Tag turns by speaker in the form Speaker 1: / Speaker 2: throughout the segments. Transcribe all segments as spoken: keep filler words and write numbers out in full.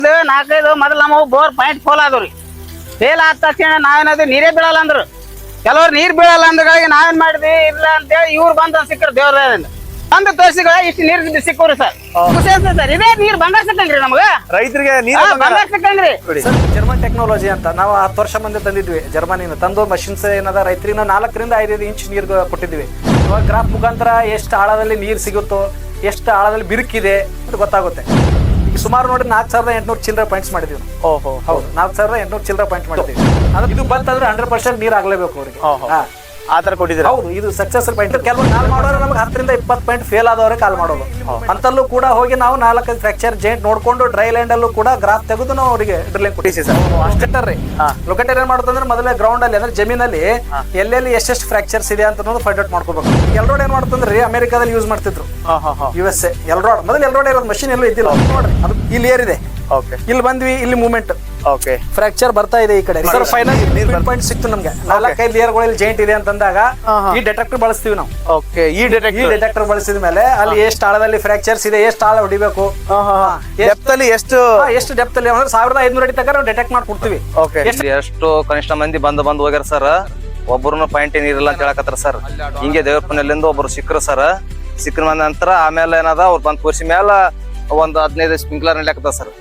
Speaker 1: ನಾಲ್ಕೈದು ಮೊದಲು ನಮ್ಮ ಬೋರ್ ಪಾಯಿಂಟ್ ಫೋಲ್ ಆದವ್ರಿ. ಫೇಲ್ ಆದ ತಕ್ಷಣ ನಾವೇನದು ನೀರೇ ಬೀಳಲ್ಲ ಅಂದ್ರು. ಕೆಲವ್ರು ನೀರ್ ಬೀಳಲ್ಲ ಅಂದ್ಗಳಿಗೆ ನಾವೇನ್ ಮಾಡಿದ್ವಿ ಇಲ್ಲ ಅಂತೇಳಿ ಇವ್ರು ಬಂದ ಸಿಕ್ಕರು ದೇವ್ರದಿಂದ ಬಂದು ತೋರಿಸಿಗಳ ಇಷ್ಟು ನೀರ್ ಸಿಕ್ಕವ್ರಿ ಸರ್. ಖುಷಿ ಅನ್ಸುತ್ತೆ ಸರ್. ಇದೇ ನೀರ್ ಬಂಗಾರ ಸಿಕ್ಕಂಗ್ರಿ ನಮ್ಗ
Speaker 2: ರೈತರಿಗೆ
Speaker 1: ಬಂಗಾರ ಸಿಕ್ಕಂಗ್ರಿ.
Speaker 3: ಜರ್ಮನ್ ಟೆಕ್ನಾಲಜಿ ಅಂತ ನಾವು ಹತ್ತು ವರ್ಷ ಮುಂದೆ ತಂದಿದ್ವಿ. ಜರ್ಮನಿನ ತಂದು ಮಷಿನ್ಸ್ ಏನದ ರೈತರಿಗೆ ನಾವು ನಾಲ್ಕರಿಂದ ಐದೈದು ಇಂಚ್ ನೀರು ಕೊಟ್ಟಿದ್ವಿ. ಇವಾಗ ಗ್ರಾಫ್ ಮುಖಾಂತರ ಎಷ್ಟು ಆಳದಲ್ಲಿ ನೀರು ಸಿಗುತ್ತೋ, ಎಷ್ಟು ಆಳದಲ್ಲಿ ಬಿರುಕಿದೆ ಅಂತ ಗೊತ್ತಾಗುತ್ತೆ. ಈಗ ಸುಮಾರು ನೋಡಿ ನಾಲ್ಕು ಸಾವಿರದ ಎಂಟುನೂರು ಚಿಲ್ಲರೆ ಪಾಯಿಂಟ್ಸ್ ಮಾಡಿದ್ವಿ. ಓಹೋ ಹೌದು, ನಾಲ್ಕು ಸಾವಿರದ ಎಂಟುನೂರು ಚಿಲ್ಲರೆ ಪಾಯಿಂಟ್ ಮಾಡಿದ್ವಿ. ಅದು ಇದು ಬಂತಂದ್ರೆ ಹಂಡ್ರೆಡ್ ಪರ್ಸೆಂಟ್ ನೀರು ಆಗ್ಲೇಬೇಕು ಅವ್ರಿಗೆ.
Speaker 2: ಆ ತರ ಕೊಟ್ಟಿದ್ರೆ
Speaker 3: ಹೌದು, ಇದು ಸಕ್ಸಸ್ ಪಾಯಿಂಟ್. ಕೆಲವು ಕಾಲ್ ಮಾಡೋರು ನಮ್ಗೆ ಹತ್ತರಿಂದ ಇಪ್ಪತ್ತು ಪಾಯಿಂಟ್ ಫೇಲ್ ಆದವರೇ ಕಾಲ್ ಮಾಡೋದು. ಅಂತಲ್ಲೂ ಕೂಡ ಹೋಗಿ ನಾವು ನಾಲ್ಕೈದು ಫ್ರಾಕ್ಚರ್ ಜಾಯಿಂಟ್ ನೋಡ್ಕೊಂಡು ಡ್ರೈ ಲ್ಯಾಂಡ್ ಅಲ್ಲೂ ಕೂಡ ಗ್ರಾಫ್ ತೆಗೆದು ನಾವು ಅವರಿಗೆ ಡ್ರಿಲ್ಲಿಂಗ್ ಕೊಟ್ಟಿಸಿ ಸರ್. ಅಷ್ಟೇ ರೀ. ಲೊಕೇಟರ್ ಏನ್ ಮಾಡುತ್ತಂದ್ರೆ ಮೊದಲೇ ಗ್ರೌಂಡ್ ಅಲ್ಲಿ ಅಂದ್ರೆ ಜಮೀನಲ್ಲಿ ಎಲ್ಲೆಲ್ಲಿ ಎಷ್ಟೆಷ್ಟು ಫ್ರಾಕ್ಚರ್ಸ್ ಇದೆ ಅಂತ ಫೈಂಡ್ ಔಟ್ ಮಾಡ್ಕೋಬೇಕು. ಎಲ್ರೋಡ್ ಏನ್ ಮಾಡ್ತಂದ್ರೆ ಅಮೆರಿಕಾದಲ್ಲಿ ಯೂಸ್ ಮಾಡ್ತಿದ್ರು, ಯು ಎಸ್ ಎ ಎಲ್ರೋಡ್. ಮೊದಲು ಎಲ್ರೋಡ್ ಇರೋದು ಮಷಿನ್ ಎಲ್ಲೂ ಇದ್ದಿಲ್ಲ ನೋಡ್ರಿ. ಅದು ಇಲ್ಲಿ ಏರಿದೆ, ಇಲ್ಲಿ ಬಂದ್ವಿ, ಇಲ್ಲಿ ಮೂವ್ಮೆಂಟ್
Speaker 2: ಓಕೆ
Speaker 3: ಫ್ರಾಕ್ಚರ್ ಬರ್ತಾ ಇದೆ ಈ ಕಡೆ. ಸರ್ ಫೈನಲ್ ಪಾಯಿಂಟ್ ಸಿಕ್ತು ನಮ್ಗೆ. ನಾಲ್ಕೈದು ಲೇಯರ್ಗಳಲ್ಲಿ ಜಾಯಿಂಟ್ ಇದೆ ಅಂತಂದಾಗ ಈ ಡಿಟೆಕ್ಟರ್ ಬಳಸ್ತೀವಿ ನಾವು.
Speaker 2: ಓಕೆ ಈ
Speaker 3: ಈ ಡಿಟೆಕ್ಟರ್ ಬಳಸಿದ ಮೇಲೆ ಅಲ್ಲಿ ಎಷ್ಟು ಆಳದಲ್ಲಿ ಫ್ರಾಕ್ಚರ್ಸ್ ಇದೆ, ಎಷ್ಟು ಆಳ ಹೊಡಿಬೇಕು,
Speaker 2: ಡೆಪ್ತ್ ಅಲ್ಲಿ ಎಷ್ಟು
Speaker 3: ಎಷ್ಟು ಡೆಪ್ತ್ ಅಲ್ಲಿ ಅಂದ್ರೆ ಸಾವಿರದ ಐದ್ನೂರ ಅಡಿ ತನಕ ನಾವು ಡಿಟೆಕ್ಟ್ ಮಾಡಿ ಕೊಡ್ತೀವಿ.
Speaker 4: ಎಷ್ಟು ಕನಿಷ್ಠ ಮಂದಿ ಬಂದು ಬಂದು ಹೋಗ್ಯಾರ ಸರ್. ಒಬ್ಬರು ಪಾಯಿಂಟ್ ಏನಿರಲ್ಲ ಅಂತ ಹೇಳಕತ್ತಾರ ಸರ್. ಹಿಂಗೆ ದೇವರಪ್ಪನಲ್ಲಿಂದ ಒಬ್ರು ಸಿಕ್ಕರು ಸರ್. ಸಿಕ್ಕರ ಮಂದ ನಂತರ ಆಮೇಲೆ ಏನದ ಅವ್ರು ಬಂದ್ ತೋರಿಸಿ ಮೇಲೆ ಒಂದು ಹದಿನೈದು ಸ್ಪ್ರಿಂಕ್ಲರ್ ನಡಿಯಾಕತ್ತ ಸರ್.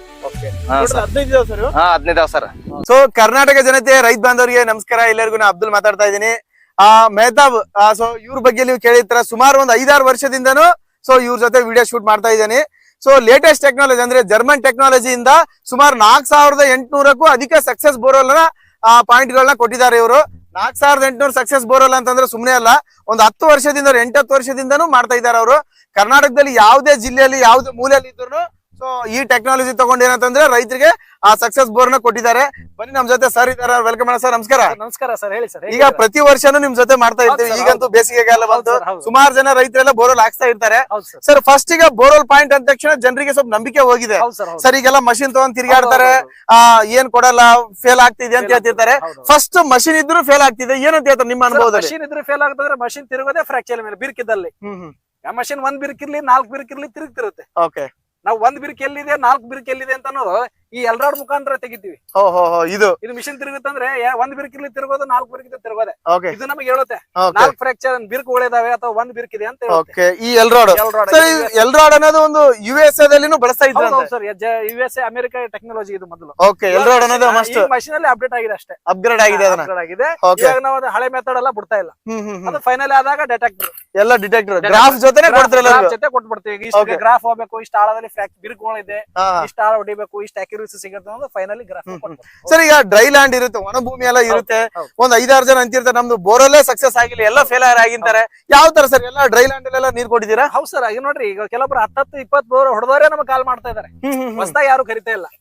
Speaker 4: ಹದಿನೈದು ಸರ್.
Speaker 2: ಸೊ ಕರ್ನಾಟಕ ಜನತೆ ರೈತ ಬಾಂಧವರಿಗೆ ನಮಸ್ಕಾರ. ಎಲ್ಲರಿಗೂ ನಾ ಅಬ್ದುಲ್ ಮಾತಾಡ್ತಾ ಇದ್ದೀನಿ. ಆ ಮೆಹತಾಬ್ ಸೊ ಇವ್ರ ಬಗ್ಗೆ ನೀವು ಕೇಳಿರ್ತಾರ. ಸುಮಾರು ಒಂದು ಐದಾರು ವರ್ಷದಿಂದನೂ ಸೊ ಇವ್ರ ಜೊತೆ ವಿಡಿಯೋ ಶೂಟ್ ಮಾಡ್ತಾ ಇದ್ದೀನಿ. ಸೊ ಲೇಟೆಸ್ಟ್ ಟೆಕ್ನಾಲಜಿ ಅಂದ್ರೆ ಜರ್ಮನ್ ಟೆಕ್ನಾಲಜಿಯಿಂದ ಸುಮಾರು ನಾಲ್ಕ್ ಸಾವಿರದ ಎಂಟುನೂರಕ್ಕೂ ಅಧಿಕ ಸಕ್ಸಸ್ ಬೋರ್ವೆಲ್ ನ ಪಾಯಿಂಟ್ ಗಳನ್ನ ಕೊಟ್ಟಿದ್ದಾರೆ ಇವರು. ನಾಲ್ಕ್ ಸಾವಿರದ ಎಂಟುನೂರು ಸಕ್ಸಸ್ ಬೋರ್ವೆಲ್ ಅಂತಂದ್ರೆ ಸುಮ್ನೆ ಅಲ್ಲ, ಒಂದು ಹತ್ತು ವರ್ಷದಿಂದ ಎಂಟತ್ತು ವರ್ಷದಿಂದನೂ ಮಾಡ್ತಾ ಇದ್ದಾರೆ ಅವರು. ಕರ್ನಾಟಕದಲ್ಲಿ ಯಾವುದೇ ಜಿಲ್ಲೆಯಲ್ಲಿ ಯಾವುದೇ ಮೂಲೆಯಲ್ಲಿ ಇದ್ರು ಸೊ ಈ ಟೆಕ್ನಾಲಜಿ ತಗೊಂಡು ಏನಂತಂದ್ರೆ ರೈತರಿಗೆ ಆ ಸಕ್ಸಸ್ ಬೋರ್ ನ ಕೊಟ್ಟಿದ್ದಾರೆ. ಬನ್ನಿ ನಮ್ ಜೊತೆ ಸರ್ ಇದಾರೆ, ವೆಲ್ಕಮ್ ಮಾಡೋಣ ಸರ್. ನಮಸ್ಕಾರ.
Speaker 3: ನಮಸ್ಕಾರ ಸರ್, ಹೇಳಿ ಸರ್.
Speaker 2: ಈಗ ಪ್ರತಿ ವರ್ಷನೂ ನಿಮ್ ಜೊತೆ ಮಾಡ್ತಾ ಇರ್ತೀವಿ. ಈಗಂತೂ ಬೇಸಿಗೆಗಾಲ ಬಂತು, ಸುಮಾರು ಜನ ರೈತರೆಲ್ಲ ಬೋರ್ವೆಲ್ ಹಾಕ್ಸ್ತಾ ಇರ್ತಾರೆ ಸರ್. ಫಸ್ಟ್ ಈಗ ಬೋರ್ವೆಲ್ ಪಾಯಿಂಟ್ ಅಂದ ತಕ್ಷಣ ಜನರಿಗೆ ಸ್ವಲ್ಪ ನಂಬಿಕೆ ಹೋಗಿದೆ ಸರ್. ಈಗೆಲ್ಲ ಮಷಿನ್ ತಗೊಂಡ್ ತಿರ್ಗಾಡ್ತಾರೆ, ಆ ಏನ್ ಕೊಡಲ್ಲ, ಫೇಲ್ ಆಗ್ತಿದೆ ಅಂತ ಹೇಳ್ತಿರ್ತಾರೆ. ಫಸ್ಟ್ ಮಷಿನ್ ಇದ್ರು ಫೇಲ್ ಆಗ್ತಿದೆ ಏನಂತ ಹೇಳ್ತಾರೆ ನಿಮ್ಮ ಅನುಭವದಲ್ಲಿ?
Speaker 3: ಮಷಿನ್ ಇದ್ರೆ ಫೇಲ್ ಆಗ್ತದ್ರೆ ಮಷಿನ್ ತಿರುಗೋದೇ ಫ್ರಾಕ್ಚರ್ ಮೇಲೆ ಬಿರ್ಕಿದ್ದಲ್ಲಿ. ಮಷಿನ್ ಒಂದ್ ಬಿರ್ಕಿರ್ಲಿ ನಾಲ್ಕು ಬಿರ್ಕಿರ್ಲಿ ತಿರುಗ್ತಿರುತ್ತೆ.
Speaker 2: ಓಕೆ,
Speaker 3: ನಾವು ಒಂದ್ ಬಿರ್ಕ್ ಎಲ್ಲಿದೆ ನಾಲ್ಕು ಬಿರ್ಕ್ ಎಲ್ಲಿದೆ ಅಂತ ಅನ್ನೋದು ಈ ಎಲ್ರಾಡ್ ಮುಖಾಂತರ ತೆಗಿತೀವಿ.
Speaker 2: ಇದು
Speaker 3: ಇದು ಮಿಷಿನ್ ತಿರುಗುತ್ತಂದ್ರೆ ಒಂದ್ ಬಿರ್ಕ್ ಇಲ್ಲಿ ತಿರುಗೋದು, ನಾಲ್ಕು ಬಿರ್ಕ್ ತಿರುಗೋದೆ. ಇದು ನಮಗೆ ಹೇಳುತ್ತೆ
Speaker 2: Okay.
Speaker 3: ನಾಲ್ಕು ಫ್ರಾಕ್ಚರ್ ಬಿರ್ಕ್ ಉಳಿದಾವೆ ಅಥವಾ ಒಂದ್ ಬಿರ್ಕ್ ಇದೆ ಅಂತ ಹೇಳುತ್ತೆ.
Speaker 2: ಈ ಎಲ್ರಾಡ್ ಎಲ್ರಾಡ್ ಅನ್ನೋದು ಒಂದು ಯು ಎಸ್ ಎದಲ್ಲಿನೂ ಬಳಸ್ತಾ ಇದ್ರು
Speaker 3: sir. U S A America technology ಇದು ಮೊದಲು.
Speaker 2: ಓಕೆ, ಎಲ್ರಾಡ್ ಅನ್ನೋದು ಮಸ್ಟ್
Speaker 3: ಮಷಿನ್ ಅಲ್ಲಿ ಅಪ್ಡೇಟ್ ಆಗಿದೆ ಅಷ್ಟೇ,
Speaker 2: ಅಪ್ಗ್ರೇಡ್ ಆಗಿದೆ.
Speaker 3: ಅಪ್ಗ್ರೇಡ್ ಆಗಿದೆ. ಇವಾಗ ನಾವು ಅದು ಹಳೆ ಮೆಥಡ್ ಎಲ್ಲ ಬಿಡ್ತಾ ಇಲ್ಲ. ಅದು ಫೈನಲ್ ಆದಾಗ ಡಿಟೆಕ್ಟರ್
Speaker 2: ಎಲ್ಲ ಡಿಟೆಕ್ಟರ್ ಗ್ರಾಫ್ ಜೊತೆನೆ ಕೊಡ್ತಿರಲ್ಲ,
Speaker 3: ಜೊತೆ ಕೊಟ್ಬಿಡ್ತೀವಿ. ಇಷ್ಟು ಗ್ರಾಫ್ ಹೋಗ್ಬೇಕು, ಇಷ್ಟು ಆಳದಲ್ಲಿ ಬಿರುಕುಗಳಿದೆ, ಇಷ್ಟು ಆಳ ಹೊಡಿಬೇಕು, ಇಷ್ಟು ಅಕ್ಯುರಸಿ ಸಿಗುತ್ತೆ ಅನ್ನೋದು ಫೈನಲಿ ಗ್ರಾಫ್.
Speaker 2: ಸರ್ ಈಗ ಡ್ರೈ ಲ್ಯಾಂಡ್ ಇರುತ್ತೆ, ಒಣ ಭೂಮಿ ಎಲ್ಲ ಇರುತ್ತೆ. ಒಂದ್ ಐದಾರು ಜನ ಅಂತಿರ್ತಾರೆ ನಮ್ದು ಬೋರಲ್ಲೇ ಸಕ್ಸಸ್ ಆಗಿಲ್ಲ, ಎಲ್ಲ ಫೇಲಿಯರ್ ಆಗಿರ್ತಾರೆ. ಯಾವ ತರ ಸರ್ ಎಲ್ಲ ಡ್ರೈ ಲ್ಯಾಂಡ್ ಅಲ್ಲೆಲ್ಲ ನೀರ್ ಕೊಟ್ಟಿದ್ದೀರಾ?
Speaker 3: ಹೌದು ಸರ್. ಈಗ ನೋಡ್ರಿ, ಈಗ ಕೆಲವೊಬ್ರು ಹತ್ತತ್ತು ಇಪ್ಪತ್ ಬೋರ್ ಹೊಡೆದವರೇ ನಮ್ಗೆ ಕಾಲ್ ಮಾಡ್ತಾ ಇದಾರೆ. ಹೊಸದಾಗಿ ಯಾರು ಕರಿತಾ ಇಲ್ಲ.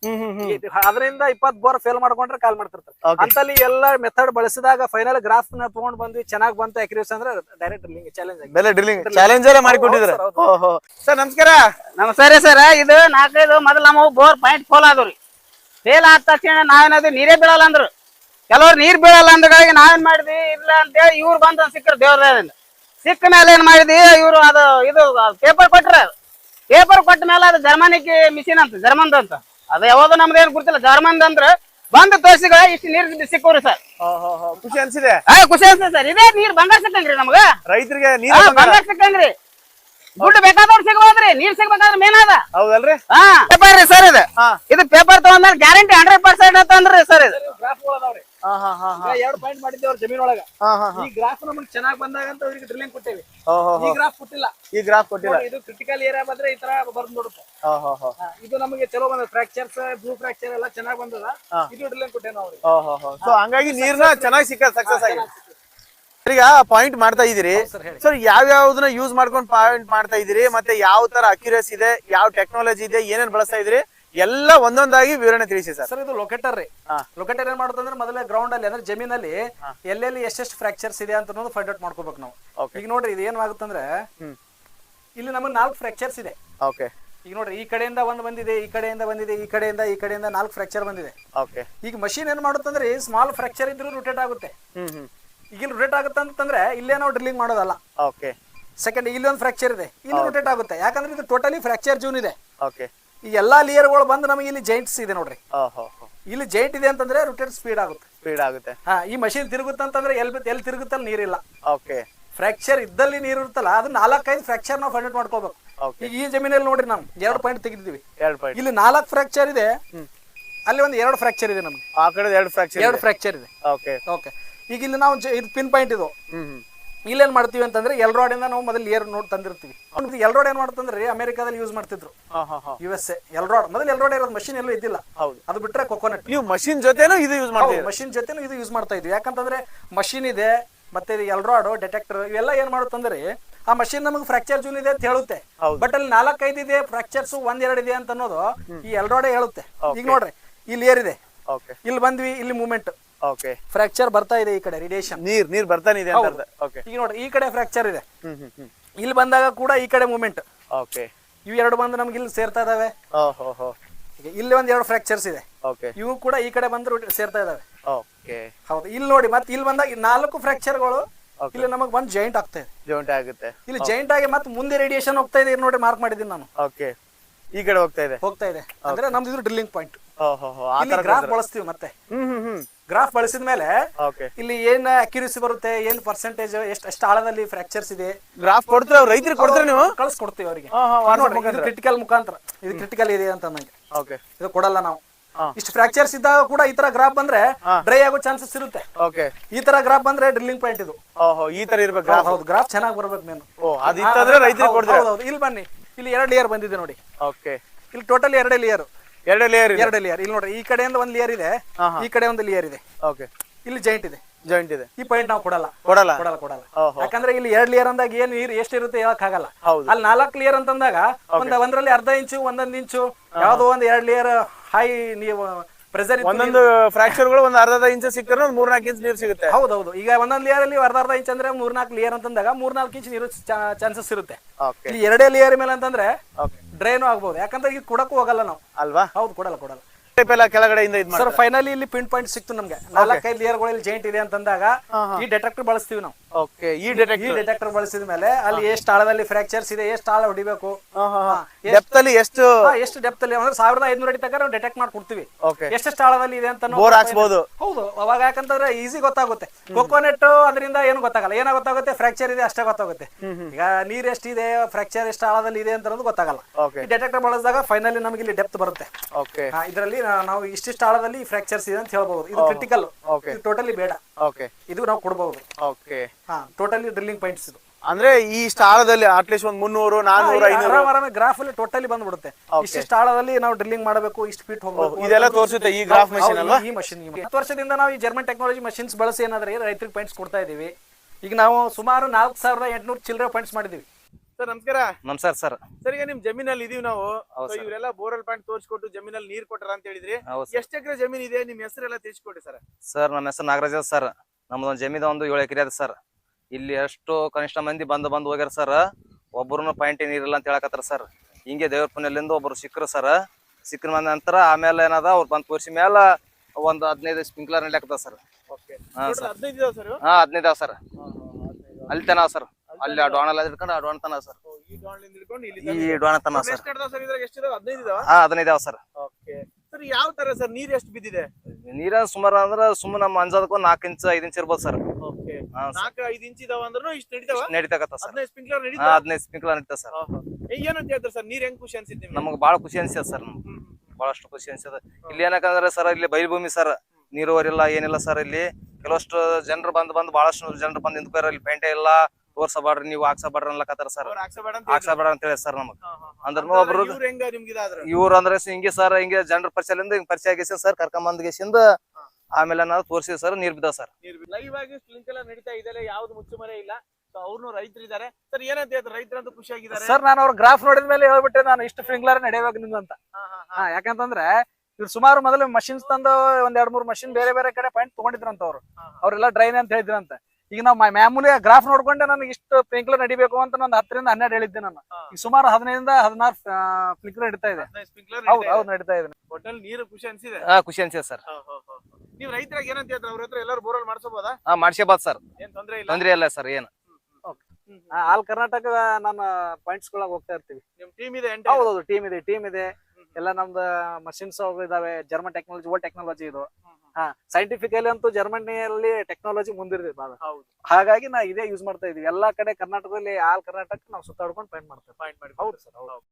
Speaker 3: ಅದರಿಂದ ಇಪ್ಪತ್ ಬೋರ್ ಫೇಲ್ ಮಾಡ್ಕೊಂಡ್ರೆ ಕಾಲ್ ಮಾಡ್ತಿರ್ತಾರೆ. ಅಂತಲ್ಲಿ ಎಲ್ಲ ಮೆಥಡ್ ಬಳಸಿದಾಗ ಫೈನಲ್ ಗ್ರಾಫ್ ನ ತಗೊಂಡ್ ಬಂದ್ವಿ, ಚೆನ್ನಾಗಿ ಬಂತು ಅಕ್ಯುರಸಿ ಅಂದ್ರೆ ಡೈರೆಕ್ಟ್ ಡ್ರಿಲ್ಲಿಂಗ್ ಚಾಲೆಂಜ್ ಆಗಿ
Speaker 2: ಬೆಲೆ ಡ್ರಿಲ್ಲಿಂಗ್ ಚಾಲೆಂಜ್ ಎಲ್ಲ ಮಾಡಿಕೊಟ್ಟಿದ್ದಾರೆ. ಸರ್ ನಮಸ್ಕಾರ.
Speaker 1: ನಮಸ್ಕಾರ ಸರ್. ಇದು ನಾಲ್ಕೈದು ಮೊದಲು ನಮ್ಮ ಬೋರ್ ಪಾಯಿಂಟ್ ಫೋಲ್ ಆದವ್ರಿ. ಫೇಲ್ ಆದ ತಕ್ಷಣ ನಾವೇನದು ನೀರೇ ಬೀಳಲ್ಲ ಅಂದ್ರು. ಕೆಲವ್ರು ನೀರ್ ಬೀಳಲ್ಲ ಅಂದ್ಗಳಿಗೆ ನಾವೇನ್ ಮಾಡಿದ್ವಿ ಇಲ್ಲ ಅಂತೇಳಿ ಇವ್ರು ಬಂದ ಸಿಕ್ಕರು ದೇವ್ರದಿಂದ. ಸಿಕ್ಕ ಮೇಲೆ ಏನ್ ಮಾಡಿದ್ವಿ, ಇವ್ರು ಅದು ಇದು ಪೇಪರ್ ಕೊಟ್ರ. ಪೇಪರ್ ಕೊಟ್ಟ ಮೇಲೆ ಅದು ಜರ್ಮನಿಕ್ ಮಿಷಿನ್ ಅಂತ, ಜರ್ಮನ್ದ ಅಂತ. ಅದು ಯಾವ್ದು ನಮ್ದು ಏನ್ ಗುರ್ತಿಲ್ಲ. ಜರ್ಮನ್ದ ಅಂದ್ರ ಬಂದು ತೋರಿಸಿಗಳ ಇಷ್ಟು ನೀರ್ ಸಿಕ್ಕವ್ರಿ ಸರ್.
Speaker 2: ಖುಷಿ ಅನ್ಸಿದೆ?
Speaker 1: ಖುಷಿ ಅನ್ಸುತ್ತೆ ಸರ್. ಇದೇ ನೀರ್ ಬಂಗಾರ ಸಿಕ್ಕಂಗ್ರಿ ನಮ್ಗ.
Speaker 2: ರೈತರಿಗೆ
Speaker 1: ಬಂಗಾರ ಸಿಕ್ಕಂಗ್ರಿ. ದುಡ್ಡು ಬೇಕಾದವ್ರು ಸಿಗ್ಬೋದ್ರಿ, ನೀರ್ ಸಿಗ್ಬೇಕಾದ್ರೆ ಮೇನ್ ಅದ.
Speaker 2: ಹೌದಲ್ರಿ?
Speaker 1: ಹಾ ಪೇಪರ್ ರೀ ಸರ್. ಇದು ಇದು ಪೇಪರ್ ತಗೊಂಡ್ರೆ ಗ್ಯಾರಂಟಿ ಹಂಡ್ರೆಡ್ ಪರ್ಸೆಂಟ್ ಅಂತಂದ್ರಿ ಸರ್. ಇದು
Speaker 3: ಎರಡು ಪಾಯಿಂಟ್ ಮಾಡಿದ್ವಿ ಅವ್ರ ಜಮೀನ್ ಒಳಗ. ಈ ಗ್ರಾಫ್ ನಮ್ಗೆ ಚೆನ್ನಾಗಿ ಬಂದಾಗ ಅಂತ ಅವ್ರಿಗೆ ಡ್ರಿಲ್ಲಿಂಗ್ ಕೊಟ್ಟೇವಿ. ಈ ಗ್ರಾಫ್ ಕೊಟ್ಟಿಲ್ಲ.
Speaker 2: ಈ ಗ್ರಾಫ್ ಕೊಟ್ಟಿಲ್ಲ.
Speaker 3: ಇದು ಕ್ರಿಟಿಕಲ್ ಏರಿಯಾ ಬಂದ್ರೆ ಈ ತರ ಬರ್ದ್ ನೋಡುತ್ತೆ. ಇದು ನಮಗೆ ಚಲೋ ಬಂದ ಫ್ರಾಕ್ಚರ್ಸ್, ಬ್ಲೂ ಫ್ರಾಕ್ಚರ್ ಎಲ್ಲ ಚೆನ್ನಾಗಿ ಬಂದದ. ಇದು ಡ್ರಿಲ್ಲಿಂಗ್ ಕೊಟ್ಟೇವಿ ಅವ್ರಿಗೆ.
Speaker 2: ಸೊ ಹಂಗಾಗಿ ನೀರ್ನ ಚೆನ್ನಾಗಿ ಸಿಕ್ಕ ಸಕ್ಸಸ್ ಆಗಿದೆ. ಈಗ ಪಾಯಿಂಟ್ ಮಾಡ್ತಾ ಇದೀರಿ ಸರ್, ಯಾವ ಯಾವ್ದನ್ನ ಯೂಸ್ ಮಾಡ್ಕೊಂಡು ಪಾಯಿಂಟ್ ಮಾಡ್ತಾ ಇದೀರಿ, ಮತ್ತೆ ಯಾವ ತರ ಅಕ್ಯುರಸಿ ಇದೆ, ಯಾವ ಟೆಕ್ನಾಲಜಿ ಇದೆ, ಏನೇನ್ ಬಳಸ್ತಾ ಇದ್ರಿ ಎಲ್ಲ ಒಂದೊಂದಾಗಿ ವಿವರಣೆ ತಿಳಿಸಿ ಸರ್.
Speaker 3: ಸರ್ ಇದು ಲೊಕೇಟರ್ ರೀ. ಲೊಕೇಟರ್ ಏನ್ ಮಾಡುತ್ತಂದ್ರೆ ಮೊದಲೇ ಗ್ರೌಂಡ್ ಅಲ್ಲಿ ಅಂದ್ರೆ ಜಮೀನಲ್ಲಿ ಎಲ್ಲೆಲ್ಲಿ ಎಷ್ಟೆಷ್ಟು ಫ್ರಾಕ್ಚರ್ಸ್ ಇದೆ ಅಂತ ಫೈಂಡ್ ಔಟ್ ಮಾಡ್ಕೋಬೇಕು ನಾವು. ಈಗ ನೋಡ್ರಿ, ಇದು ಏನ್ ಆಗುತ್ತಂದ್ರೆ ಇಲ್ಲಿ ನಮಗೆ ನಾಲ್ಕು ಫ್ರಾಕ್ಚರ್ಸ್ ಇದೆ.
Speaker 2: ಓಕೆ,
Speaker 3: ಈಗ ನೋಡ್ರಿ, ಈ ಕಡೆಯಿಂದ ಒಂದ್ ಬಂದಿದೆ, ಈ ಕಡೆಯಿಂದ ಬಂದಿದೆ, ಈ ಕಡೆಯಿಂದ ಈ ಕಡೆಯಿಂದ ನಾಲ್ಕು ಫ್ರಾಕ್ಚರ್ ಬಂದಿದೆ.
Speaker 2: ಓಕೆ,
Speaker 3: ಈಗ ಮಷೀನ್ ಏನ್ ಮಾಡುತ್ತಂದ್ರೆ ಸ್ಮಾಲ್ ಫ್ರಾಕ್ಚರ್ ಇದ್ರೂ ರೊಟೇಟ್ ಆಗುತ್ತೆ. ಈಗ ಇಲ್ಲಿ ರೊಟೇಟ್ ಆಗುತ್ತೆ ಅಂತಂದ್ರೆ ಇಲ್ಲೇ ನಾವು ಡ್ರಿಲ್ಲಿಂಗ್ ಮಾಡೋದಲ್ಲ.
Speaker 2: ಓಕೆ,
Speaker 3: ಸೆಕೆಂಡ್ ಇಲ್ಲಿ ಒಂದು ಫ್ರಾಕ್ಚರ್ ಇದೆ, ಇಲ್ಲಿ ರೊಟೇಟ್ ಆಗುತ್ತೆ. ಯಾಕಂದ್ರೆ ಇದು ಟೋಟಲಿ ಫ್ರಾಕ್ಚರ್ ಜೂನ್ ಇದೆ.
Speaker 2: ಓಕೆ,
Speaker 3: ಈ ಎಲ್ಲಾ ಲೇಯರ್ಗಳು ಬಂದು ನಮಗೆ ಇಲ್ಲಿ ಜೈಂಟ್ಸ್ ಇದೆ ನೋಡ್ರಿ.
Speaker 2: ಓಹೋ
Speaker 3: ಇಲ್ಲಿ ಜೈಂಟ್ ಇದೆ ಅಂತಂದ್ರೆ ರೊಟೇಟ್ ಸ್ಪೀಡ್ ಆಗುತ್ತೆ.
Speaker 2: ಸ್ಪೀಡ್ ಆಗುತ್ತೆ.
Speaker 3: ಹಾ, ಈ ಮಷಿನ್ ತಿರುಗುತ್ತಂತಂದ್ರೆ ಎಲ್ಲಿ ಎಲ್ಲಿ ತಿರುಗುತ್ತಲ್ಲಿ ನೀರಿಲ್ಲ.
Speaker 2: ಓಕೆ.
Speaker 3: ಫ್ರಾಕ್ಚರ್ ಇದ್ದಲ್ಲಿ ನೀರು ಇರುತ್ತಲ್ಲ ಅದು ನಾಲ್ಕೈದು ಫ್ರಾಕ್ಚರ್ ನಾವು ಫೈಂಡ್ ಮಾಡ್ಕೋಬೇಕು. ಈಗ ಈ ಜಮೀನಲ್ಲಿ ನೋಡ್ರಿ ನಾವು ಎರಡು ಪಾಯಿಂಟ್ ತೆಗೆದಿದ್ದೀವಿ.
Speaker 2: ಎರಡು ಪಾಯಿಂಟ್.
Speaker 3: ಇಲ್ಲಿ ನಾಲ್ಕು ಫ್ರಾಕ್ಚರ್ ಇದೆ, ಅಲ್ಲಿ ಒಂದು ಎರಡು ಫ್ರಾಕ್ಚರ್ ಇದೆ ನಮ್ಗೆ.
Speaker 2: ಆ ಕಡೆ ಎರಡು ಫ್ರಾಕ್ಚರ್
Speaker 3: ಎರಡು ಫ್ರಾಕ್ಚರ್ ಇದೆ.
Speaker 2: Okay
Speaker 3: okay. ಈಗ ಇಲ್ಲಿ ನಾವು ಇದು ಪಿನ್ ಪಾಯಿಂಟ್ ಇದು. ಇಲ್ಲೇನ್ ಮಾಡ್ತೀವಿ ಅಂತಂದ್ರೆ ಎಲ್ ರೋಡ್ ಇಂದ ನಾವು ಮೊದಲು ಏರ್ ನೋಡ್ ತಂದಿರ್ತೀವಿ. ಎಲ್ ರೋಡ್ ಏನ್ ಮಾಡ್ತಂದ್ರೆ ಅಮೆರಿಕಾದಲ್ಲಿ ಯೂಸ್ ಮಾಡ್ತಿದ್ರು, U S A. L rod ಮೊದಲು ಎಲ್ ರೋಡ್ ಇರೋದು ಮಷಿನ್ ಎಲ್ಲೂ ಇದ್ದಿಲ್ಲ. ಅದು ಬಿಟ್ರೆ ಕೊಕೊನಟ್.
Speaker 2: ನೀವು ಮಷಿನ್ ಜೊತೆನೂ ಇದು ಯೂಸ್ ಮಾಡ್ತೀವಿ.
Speaker 3: ಮಷಿನ್ ಜೊತೆನೂ ಇದು ಯೂಸ್ ಮಾಡ್ತಾ ಇದ್ವಿ. ಯಾಕಂತಂದ್ರೆ ಮಷಿನ್ ಇದೆ, ಮತ್ತೆ ಎಲ್ ರಾಡ್, ಡೆಟೆಕ್ಟರ್ ಇವೆಲ್ಲ ಏನ್ ಮಾಡುತ್ತಂದ್ರೆ ಆ ಮಷಿನ್ ನಮಗೆ ಫ್ರಾಕ್ಚರ್ ಜೂನ್ ಇದೆ ಅಂತ ಹೇಳುತ್ತೆ. ಬಟ್ ಅಲ್ಲಿ ನಾಲ್ಕೈದು ಇದೆ ಫ್ರಾಕ್ಚರ್ಸ್ ಒಂದ್ ಎರಡು ಇದೆ ಅಂತ ಅನ್ನೋದು ಈ ಎಲ್ ರಾಡ್ ಹೇಳುತ್ತೆ. ಈಗ ನೋಡ್ರಿ ಇಲ್ಲಿ ಏರ್ ಇದೆ, ಇಲ್ಲಿ ಬಂದ್ವಿ, ಇಲ್ಲಿ ಮೂವ್ಮೆಂಟ್, ಫ್ರಾಕ್ಚರ್ ಬರ್ತಾ ಇದೆ, ಈ ಕಡೆ ರೇಡಿಯೇಷನ್
Speaker 2: ನೀರ್ ನೀರ್ ಬರ್ತಾನೆ ಇದೆ.
Speaker 3: ಈಗ ನೋಡ್ರಿ ಈ ಕಡೆ ಫ್ರಾಕ್ಚರ್ ಇದೆ, ಇಲ್ಲಿ ಬಂದಾಗ ಕೂಡ ಈ ಕಡೆ ಮೂವ್ಮೆಂಟ್. ಇವು ಎರಡು ಬಂದು ನಮ್ಗೆ ಇಲ್ಲಿ ಸೇರ್ತಾ ಇದಾವೆ. ಇಲ್ಲಿ ಒಂದ್ ಎರಡು ಫ್ರಾಕ್ಚರ್ಸ್ ಇದೆ, ಇವು ಕೂಡ ಈ ಕಡೆ ಬಂದು ಸೇರ್ತಾ ಇದಾವೆ. ಹೌದು. ಇಲ್ಲಿ ನೋಡಿ ಮತ್ತೆ ಇಲ್ಲಿ ಬಂದಾಗ ನಾಲ್ಕು ಫ್ರಾಕ್ಚರ್ಗಳು ಇಲ್ಲಿ ನಮಗ್ ಬಂದ್ ಜಾಯಿಂಟ್ ಆಗ್ತಾ ಇದೆ.
Speaker 2: ಜಾಯಿಂಟ್ ಆಗುತ್ತೆ.
Speaker 3: ಇಲ್ಲಿ ಜಾಯಿಂಟ್ ಆಗಿ ಮತ್ತೆ ಮುಂದೆ ರೇಡಿಯೇಷನ್ ಹೋಗ್ತಾ ಇದೆ ನೋಡಿ, ಮಾರ್ಕ್ ಮಾಡಿದ್ದೀನಿ ನಾನು.
Speaker 2: ಓಕೆ. ಈ ಕಡೆ ಹೋಗ್ತಾ ಇದೆ
Speaker 3: ಹೋಗ್ತಾ ಇದೆ ಅಂದ್ರೆ ನಮ್ದು ಇದು ಡ್ರಿಲ್ಲಿಂಗ್ ಪಾಯಿಂಟ್. ಗ್ರಾಫ್ ಬಳಸ್ತೀವಿ. ಮತ್ತೆ ಗ್ರಾಫ್ ಬಳಸಿದ ಮೇಲೆ ಇಲ್ಲಿ ಏನ್ ಅಕ್ಯುರಸಿ ಬರುತ್ತೆ, ಏನ್ ಪರ್ಸೆಂಟೇಜ್, ಎಷ್ಟು ಎಷ್ಟು ಆಳದಲ್ಲಿ ಫ್ರಾಕ್ಚರ್ಸ್ ಇದೆ
Speaker 2: ಗ್ರಾಫ್ ಕೊಡ್ತೀವಿ. ರೈತರಿಗೆ ಕೊಡ್ತೀವಿ, ನೀವು
Speaker 3: ಕಳ್ಸಿಕೊಡ್ತೀವಿ ಅವರಿಗೆ. ಕ್ರಿಟಿಕಲ್ ಮುಖಾಂತರ ಇದು ಕ್ರಿಟಿಕಲ್ ಇದೆ ಅಂತ ನಂಗೆ ಇದು ಕೊಡಲ್ಲ ನಾವು. ಇಷ್ಟು ಫ್ರಾಕ್ಚರ್ಸ್ ಇದ್ದಾಗ ಕೂಡ ಈ ತರ ಗ್ರಾಫ್ ಬಂದ್ರೆ ಡ್ರೈ ಆಗೋ ಚಾನ್ಸಸ್ ಇರುತ್ತೆ. ಈ ತರ ಗ್ರಾಫ್ ಬಂದ್ರೆ ಡ್ರಿಲ್ಲಿಂಗ್ ಪಾಯಿಂಟ್ ಇದು.
Speaker 2: ಈ ತರ ಇರ್ಬೇಕು.
Speaker 3: ಹೌದು, ಗ್ರಾಫ್ ಚೆನ್ನಾಗಿ ಬರ್ಬೇಕು ಮೇನು.
Speaker 2: ರೈತರಿಗೆ
Speaker 3: ಇಲ್ಲಿ ಬನ್ನಿ, ಇಲ್ಲಿ ಎರಡು ಲೇಯರ್ ಬಂದಿದೆ ನೋಡಿ.
Speaker 2: ಓಕೆ.
Speaker 3: ಇಲ್ಲಿ ಟೋಟಲ್ ಎರಡೇ ಲೇಯರ್.
Speaker 2: ಎರಡೇ ಲೇಯರ್
Speaker 3: ಎರಡೇ ಲೇಯರ್. ಇಲ್ಲಿ ನೋಡ್ರಿ ಈ ಕಡೆಯಿಂದ ಒಂದು ಲೇಯರ್ ಇದೆ, ಈ ಕಡೆ ಒಂದು ಲೇಯರ್ ಇದೆ.
Speaker 2: ಓಕೆ.
Speaker 3: ಇಲ್ಲಿ ಜಾಯಿಂಟ್ ಇದೆ.
Speaker 2: ಜಾಯಿಂಟ್ ಇದೆ.
Speaker 3: ಈ ಪಾಯಿಂಟ್ ನಾವು ಕೊಡಲ್ಲ
Speaker 2: ಕೊಡಲ್ಲ
Speaker 3: ಕೊಡಲ್ಲ ಕೊಡಲ್ಲ ಯಾಕಂದ್ರೆ ಇಲ್ಲಿ ಎರಡ್ ಲೇಯರ್ ಅಂದಾಗ ಏನ್ ನೀರ್ ಎಷ್ಟಿರುತ್ತೆ ಹೇಳಕ್ ಆಗಲ್ಲ. ಅಲ್ಲಿ ನಾಲ್ಕು ಲೇಯರ್ ಅಂತಂದಾಗ ಒಂದ್ ಒಂದ್ರಲ್ಲಿ ಅರ್ಧ ಇಂಚು, ಒಂದೊಂದ್ ಇಂಚು, ಯಾವ್ದೋ ಒಂದ್ ಎರಡ್ ಲೇಯರ್ ಹೈ ನೀವು ಪ್ರೆಸರ್
Speaker 2: ಒಂದೊಂದು ಫ್ರಾಕ್ಚರ್ಗಳು ಒಂದ್ ಅರ್ಧ ಇಂಚು ಸಿಕ್ಕರೆ ಒಂದ್ ಮೂರ್ನಾಲ್ಕು ಇಂಚ್ ನೀರು ಸಿಗುತ್ತೆ.
Speaker 3: ಹೌದೌದು. ಈಗ ಒಂದೊಂದ್ ಲೇಯರ್ ಅಲ್ಲಿ ಅರ್ಧ ಅರ್ಧ ಇಂಚ್ ಅಂದ್ರೆ ಮೂರ್ನಾಲ್ಕು ಲೇಯರ್ ಅಂತಂದಾಗ ಮೂರ್ನಾಲ್ಕು ಇಂಚ್ ನೀರು ಚಾನ್ಸಸ್ ಇರುತ್ತೆ. ಇಲ್ಲಿ ಎರಡೇ ಲೇಯರ್ ಮೇಲೆ ಅಂತಂದ್ರೆ ಡ್ರೈನು ಆಗ್ಬಹುದು. ಯಾಕಂದ್ರೆ ಈಗ ಕೊಡಕ್ಕೂ ಹೋಗಲ್ಲ ನಾವು ಅಲ್ವಾ. ಹೌದು, ಕೊಡಲ್ಲ ಕೊಡಲ್ಲ
Speaker 2: ಕೆಳಗಡೆಯಿಂದ
Speaker 3: ಸರ್. ಫೈನಲಿ ಇಲ್ಲಿ ಪಿನ್ ಪಾಯಿಂಟ್ ಸಿಕ್ತು ನಮ್ಗೆ. ನಾಲ್ಕೈದು ಲೇಯರ್ಗಳಲ್ಲಿ ಜಾಯಿಂಟ್ ಇದೆ ಅಂತಂದಾಗ ಈ ಡೆಟೆಕ್ಟರ್ ಬಳಸ್ತೀವಿ ನಾವು.
Speaker 2: ಓಕೆ. ಈ ಡೆಟೆಕ್ಟರ್
Speaker 3: ಈ ಡೆಟೆಕ್ಟರ್ ಬಳಸಿದ ಮೇಲೆ ಅಲ್ಲಿ ಎಷ್ಟು ಆಳದಲ್ಲಿ ಫ್ರಾಕ್ಚರ್ಸ್ ಇದೆ, ಎಷ್ಟು ಆಳ ಹೊಡಿಬೇಕು,
Speaker 2: ಡೆಪ್ತ್ ಅಲ್ಲಿ ಎಷ್ಟು
Speaker 3: ಎಷ್ಟು ಡೆಪ್ತ್ ಅಲ್ಲಿ ಅಂದ್ರೆ ಸಾವಿರದ ಐದ್ನೂರ ಅಡಿ ತನಕ ನಾವು ಡಿಟೆಕ್ಟ್ ಮಾಡಿ ಕೊಡ್ತೀವಿ. ಎಷ್ಟೆಷ್ಟು ಆಳದಲ್ಲಿ ಇದೆ ಅಂತ
Speaker 2: ಬೋರ್ ಹಾಕ್ಸ್ಬೋದು.
Speaker 3: ಹೌದು, ಅವಾಗ ಯಾಕಂತಂದ್ರೆ ಈಸಿ ಗೊತ್ತಾಗುತ್ತೆ. ಕೊಕೊನೆಟ್ ಅದರಿಂದ ಏನು ಗೊತ್ತಾಗಲ್ಲ. ಏನೋ ಗೊತ್ತಾಗುತ್ತೆ, ಫ್ರಾಕ್ಚರ್ ಇದೆ ಅಷ್ಟೇ ಗೊತ್ತಾಗುತ್ತೆ. ಈಗ ನೀರ್ ಎಷ್ಟಿದೆ, ಫ್ರಾಕ್ಚರ್ ಎಷ್ಟು ಆಳದಲ್ಲಿ ಇದೆ ಅಂತ ಅನ್ನೋದು ಗೊತ್ತಾಗಲ್ಲ. ಈ ಡೆಟೆಕ್ಟರ್ ಬಳಸಿದಾಗ ಫೈನಲಿ ನಮಗೆ ಇಲ್ಲಿ ಡೆಪ್ತ್ ಬರುತ್ತೆ. ಇದರಲ್ಲಿ ನಾವು ಇಷ್ಟಿಷ್ಟು ಆಳದಲ್ಲಿ ಫ್ರಾಕ್ಚರ್ಸ್ ಇದೆ ಅಂತ ಹೇಳ್ಬಹುದು. ಇದು ಕ್ರಿಟಿಕಲ್, ಟೋಟಲಿ ಬೇಡ. ಇದು ನಾವು ಕೊಡಬಹುದು. ಟೋಟಲಿ ಡ್ರಿಲ್ಲಿಂಗ್ ಪಾಯಿಂಟ್ಸ್ ಇದು.
Speaker 2: ಅಂದ್ರೆ ಈ ಆಳದಲ್ಲಿ ಅಟ್ಲೀಸ್ಟ್ ಒಂದ್ ಮುನ್ನೂರು ನಾನೂರು ಐನೂರು
Speaker 3: ಗ್ರಾಫ್ ಅಲ್ಲಿ ಟೋಟಲಿ ಬಂದ್ಬಿಡುತ್ತೆ. ಇಷ್ಟಿಷ್ಟು ಆಳದಲ್ಲಿ ನಾವು ಡ್ರಿಲ್ಲಿಂಗ್ ಮಾಡಬೇಕು, ಇಷ್ಟು ಫೀಟ್ ಹೋಗಬೇಕು,
Speaker 2: ಇದೆಲ್ಲ ತೋರಿಸುತ್ತೆ ಈ ಗ್ರಾಫ್ ಮಷೀನ್ ಅಲ್ವಾ.
Speaker 3: ಈ ಮಷೀನ್ ಹತ್ತು ವರ್ಷದಿಂದ ನಾವು ಈ ಜರ್ಮನ್ ಟೆಕ್ನಾಲಜಿ ಮಷೀನ್ಸ್ ಬಳಸಿ ಏನಾದ್ರೆ ರೈತರಿಗೆ ಪಾಯಿಂಟ್ಸ್ ಕೊಡ್ತಾ ಇದೀವಿ. ಈಗ ನಾವು ಸುಮಾರು ನಾಲ್ಕು ಸಾವಿರದ ಎಂಟುನೂರು ಚಿಲ್ಲರೆ ಪಾಯಿಂಟ್ಸ್ ಮಾಡಿದೀವಿ.
Speaker 2: ಸರ್ ನಮಸ್ಕಾರ.
Speaker 4: ನಮಸ್ಕಾರ ಸರ್.
Speaker 2: ಸರ್, ಈಗ ನಿಮ್ ಜಮೀನಲ್ಲಿ ಇದೀವಿ ನಾವು. ಇವರೆಲ್ಲ ಬೋರ್ವೆಲ್ ಪಾಯಿಂಟ್ ತೋರಿಸ್ಕೊಟ್ಟು ಜಮೀನಲ್ಲಿ ನೀರ್ ಕೊಟ್ಟಾರ ಅಂತ ಹೇಳಿದ್ರಿ. ಎಷ್ಟು ಎಕರೆ ಜಮೀನ್ ಇದೆ, ನಿಮ್ ಹೆಸರೆಲ್ಲ ತಿಳಿಸ್ಕೊಡಿ ಸರ್.
Speaker 4: ಸರ್, ನಮ್ಮ ಹೆಸರು ನಾಗರಾಜ್ ಸರ್. ನಮ್ದೊಂದು ಜಮೀನ್ ಒಂದು ಏಳು ಎಕರೆ ಅದ ಸರ್. ಇಲ್ಲಿ ಎಷ್ಟು ಕನಿಷ್ಠ ಮಂದಿ ಬಂದು ಬಂದು ಹೋಗ್ಯಾರ ಸರ್. ಒಬ್ಬರು ಪಾಯಿಂಟ್ ನೀರಿಲ್ಲ ಅಂತ ಹೇಳಕತ್ತಾರ ಸರ್. ಹಿಂಗೆ ದೇವ್ರ ಪುಣ್ಯಲಿಂದ ಒಬ್ರು ಸಿಕ್ಕರು ಸರ್. ಸಿಕ್ಕರ ಮಂದ ನಂತರ ಆಮೇಲೆ ಏನದ ಅವ್ರು ಬಂದ್ ತೋರಿಸಿ ಮೇಲೆ ಒಂದು ಹದಿನೈದು ಸ್ಪ್ರಿಂಕ್ಲರ್ ನಡಿಯಾಕತ್ತ ಸರ್. ಹಾ ಹದಿನೈದು ಸರ್. ಅಲ್ಲಿ ತನ ಸರ್, ಅಲ್ಲಿ ಆ ಡೋಣ ಹಿಡ್ಕೊಂಡು ಆ ಡೋಣ ತನ ಸರ್. ಈ ಡೋಣ ತನ ಸರ್. ಹಾ ಹದಿನೈದು ಅವ ಸರ್.
Speaker 2: ಸರ್, ಯಾವ ತರ ಸರ್ ನೀರ್ ಎಷ್ಟು ಬಿದ್ದಿದೆ?
Speaker 4: ನೀರ ಸುಮಾರು ಅಂದ್ರ ಸುಮ್ಮನೆ ನಮ್ಮ ಅಂಜದಕ್ಕೂ ನಾಲ್ಕು ಇಂಚ್ ಐದ್ ಇಂಚ್ ಇರ್ಬೋದು ಸರ್.
Speaker 2: ನಾಲ್ಕು ಐದು ಇಂಚ್ ಇದಾವ ಅಂದ್ರೂ ಇಷ್ಟು ನಡೀತಾವ
Speaker 4: ನಡೀತಾಕತ್ತ ಸರ್.
Speaker 2: ಹದಿನೈದು ಸ್ಪ್ರಿಂಕ್ಲರ್
Speaker 4: ಹಾ ಹದಿನೈದು ಸ್ಪ್ರಿಂಕ್ಲರ್ ನಡೀತಾ ಸರ್.
Speaker 2: ಏನಂತ ಹೇಳ್ತಾರೆ ಸರ್, ನೀರ್ ಹೆಂಗ್ ಖುಷಿ ಅನ್ಸಿದ್ದೆ?
Speaker 4: ನಮಗ್ ಬಾಳ ಖುಷಿ ಅನ್ಸಿದ ಸರ್. ನಮ್ಗೆ ಬಹಳಷ್ಟು ಖುಷಿ ಅನ್ಸದ. ಇಲ್ಲಿ ಏನಕಂದ್ರೆ ಸರ್, ಇಲ್ಲಿ ಬಯಲುಭೂಮಿ ಸರ್, ನೀರುವರಿಲ್ಲ ಏನಿಲ್ಲ ಸರ್. ಇಲ್ಲಿ ಕೆಲವಷ್ಟು ಜನರು ಬಂದ್ ಬಂದ್ ಬಹಳಷ್ಟು ಜನರು ಬಂದ್ ನಿಂತ್ಕೋರ. ಇಲ್ಲಿ ಪೇಂಟೆ ಇಲ್ಲ, ತೋರ್ಸಬಾಡ್ರಿ ನೀವು, ಹಾಕ್ಸಬಾಡ್ರಿ ಅನ್ಲಕತ್ತಾರ ಸರ್. ಹಾಕ್ಸಬೇಡ ಅಂತ ಹೇಳಿ ಸರ್ ನಮಗ್. ಅಂದ್ರೂ ಒಬ್ರು ಇವ್ರು ಅಂದ್ರೆ ಹಿಂಗೆ ಸರ್, ಹಿಂಗೆ ಜನರ ಪರಿಚಯದಿಂದ ಹಿಂಗ್ ಪರಿಚಯ ಆಗಿಸಿ ಸರ್, ಕರ್ಕೊಂಬಂದ್ ಗೆಸಿಂದ ಆಮೇಲೆ ನಾವು ತೋರಿಸಿದ ಸರ್. ನೀರ್ ಬಿದ್ದಾವ ಸರ್.
Speaker 2: ಲೈವ್ ಆಗಿ ಸ್ಪ್ರಿಂಕ್ಲರ್ ನಡೀತಾ ಇದೆ, ಯಾವ್ದು ಮುಚ್ಚುಮರೆ ಇಲ್ಲ. ಅವ್ರು ರೈತರು ಇದಾರೆ ಸರ್. ಏನಂತ ಹೇಳ್ತಾರೆ, ರೈತರಂತೂ ಖುಷಿಯಾಗಿದ್ದಾರೆ
Speaker 3: ಸರ್. ನಾನು ಅವ್ರ ಗ್ರಾಫ್ ನೋಡಿದ ಮೇಲೆ ಹೇಳ್ಬಿಟ್ಟೆ ನಾನು ಇಷ್ಟು ಸ್ಪ್ರಿಂಕ್ಲರ್ ನಡೆಯಬೇಕು ನಿಮ್ದಂತ. ಯಾಕಂತಂದ್ರೆ ಇವ್ರು ಸುಮಾರು ಮೊದಲು ಮಷಿನ್ಸ್ ತಂದು ಒಂದ್ ಎರಡ್ ಮೂರ್ ಮಷಿನ್ ಬೇರೆ ಬೇರೆ ಕಡೆ ಪಾಯಿಂಟ್ ತಗೊಂಡಿದ್ರಂತ ಅವ್ರು. ಅವ್ರೆಲ್ಲ ಡ್ರೈನ್ ಅಂತ ಹೇಳಿದ್ರಂತ. ಈಗ ನಾವು ಮ್ಯಾಮೂಲಿ ಗ್ರಾಫ್ ನೋಡ್ಕೊಂಡೆ ನನಗೆ ಇಷ್ಟು ಸ್ಪ್ರಿಂಕ್ಲರ್ ನಡಿಬೇಕು ಅಂತ ನಾನು ಹತ್ತರಿಂದ ಹನ್ನೆರಡು ಹೇಳಿದ್ದೆ ನಾನು. ಈಗ ಸುಮಾರು ಹದಿನೈದರಿಂದ ಹದಿನಾರು ಸ್ಪ್ರಿಂಕ್ಲರ್ ನಡೀತಾ ಇದೆ. ಹೌದು ಹೌದು ನಡೀತಾ ಇದೆ.
Speaker 2: ಒಟ್ಟಲ್ಲಿ ನೀರು ಖುಷಿ ಅನ್ಸಿದೆ.
Speaker 4: ಹಾ ಖುಷಿ ಅನ್ಸಿದೆ ಸರ್.
Speaker 2: ನೀವು ರೈತರಾಗ ಏನಂತ ಹೇಳ್ತಾರೆ, ಅವ್ರ ಹತ್ರ ಎಲ್ಲರೂ ಬೋರ್ವೆಲ್ ಮಾಡ್ಸಬಹುದಾ?
Speaker 4: ಹಾ ಮಾಡ್ಸಬಹುದು ಸರ್.
Speaker 2: ಏನ್ ತೊಂದ್ರೆ ಇಲ್ಲ?
Speaker 4: ತೊಂದ್ರೆ ಇಲ್ಲ ಸರ್. ಏನು
Speaker 3: ಆಲ್ ಕರ್ನಾಟಕ ನನ್ನ ಪಾಯಿಂಟ್ಸ್ ಗಳಾಗ ಹೋಗ್ತಾ ಇರ್ತೀವಿ.
Speaker 2: ನಿಮ್ ಟೀಮ್ ಇದೆ?
Speaker 3: ಹೌದೌದು, ಟೀಮ್ ಇದೆ ಟೀಮ್ ಇದೆ ಎಲ್ಲ ನಮ್ದು ಮಷಿನ್ಸ್ ಇದಾವೆ, ಜರ್ಮನ್ ಟೆಕ್ನಾಲಜಿ ಓಲ್ಡ್ ಟೆಕ್ನಾಲಜಿ ಇದು. ಹಾ ಸೈಂಟಿಫಿಕಲಿ ಅಂತೂ ಜರ್ಮನಿಯಲ್ಲಿ ಟೆಕ್ನಾಲಜಿ ಮುಂದಿರ್ತದೆ ಬಾಳ. ಹಾಗಾಗಿ ನಾ ಇದೇ ಯೂಸ್ ಮಾಡ್ತಾ ಇದೀವಿ ಎಲ್ಲಾ ಕಡೆ. ಕರ್ನಾಟಕದಲ್ಲಿ ಆಲ್ ಕರ್ನಾಟಕ ನಾವು ಸುತ್ತಾಡ್ಕೊಂಡು ಪೈಂಟ್ ಮಾಡ್ತೇವೆ. ಹೌದು ಸರ್.